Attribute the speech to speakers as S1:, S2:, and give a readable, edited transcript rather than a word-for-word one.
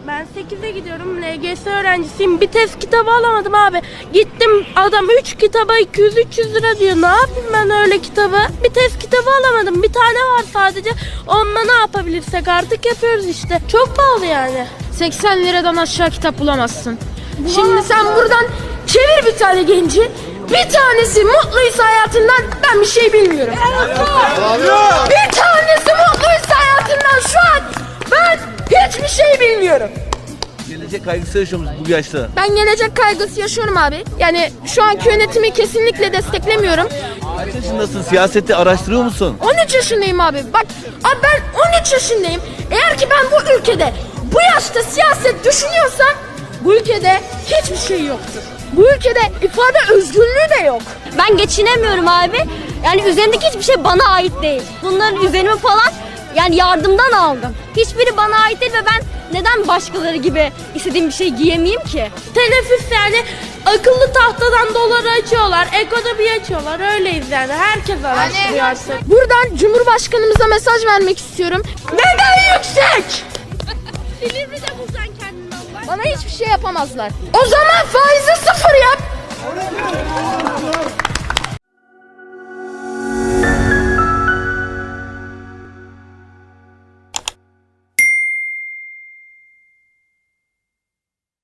S1: Ben 8'e gidiyorum. LGS öğrencisiyim. Bir test kitabı alamadım abi. Gittim adam 3 kitaba 200-300 lira diyor. Ne yapayım ben öyle kitabı? Bir test kitabı alamadım. Bir tane var sadece. Onunla ne yapabilirsek artık yapıyoruz işte. Çok pahalı yani.
S2: 80 liradan aşağı kitap bulamazsın. Şimdi sen buradan çevir bir tane genci. Bir tanesi mutluysa hayatından ben bir şey bilmiyorum. Bir tanesi mutluysa hayatından şu an ben hiçbir şey bilmiyorum.
S3: Gelecek kaygısı yaşıyor musunuz bu yaşta?
S2: Ben gelecek kaygısı yaşıyorum abi. Yani şu anki yönetimi kesinlikle desteklemiyorum.
S3: Kaç yaşındasın? Siyaseti araştırıyor musun?
S2: 13 yaşındayım abi. Bak abi ben 13 yaşındayım. Eğer ki ben bu ülkede bu yaşta siyaset düşünüyorsam bu ülkede hiçbir şey yoktur. Bu ülkede ifade özgürlüğü de yok.
S4: Ben geçinemiyorum abi. Yani üzerimdeki hiçbir şey bana ait değil. Bunların üzerimi falan yani yardımdan aldım. Hiçbiri bana ait değil ve ben neden başkaları gibi istediğim bir şey giyemeyeyim ki?
S1: Teneffüs yani akıllı tahtadan doları açıyorlar. Ekonomi açıyorlar. Öyleyiz yani. Herkes araştırıyor artık.
S2: Buradan Cumhurbaşkanımıza mesaj vermek istiyorum. Neden yüksek?
S1: Silivri'de bulsan kendini Allah.
S2: Bana hiçbir şey yapamazlar. O zaman faizi 0 yap.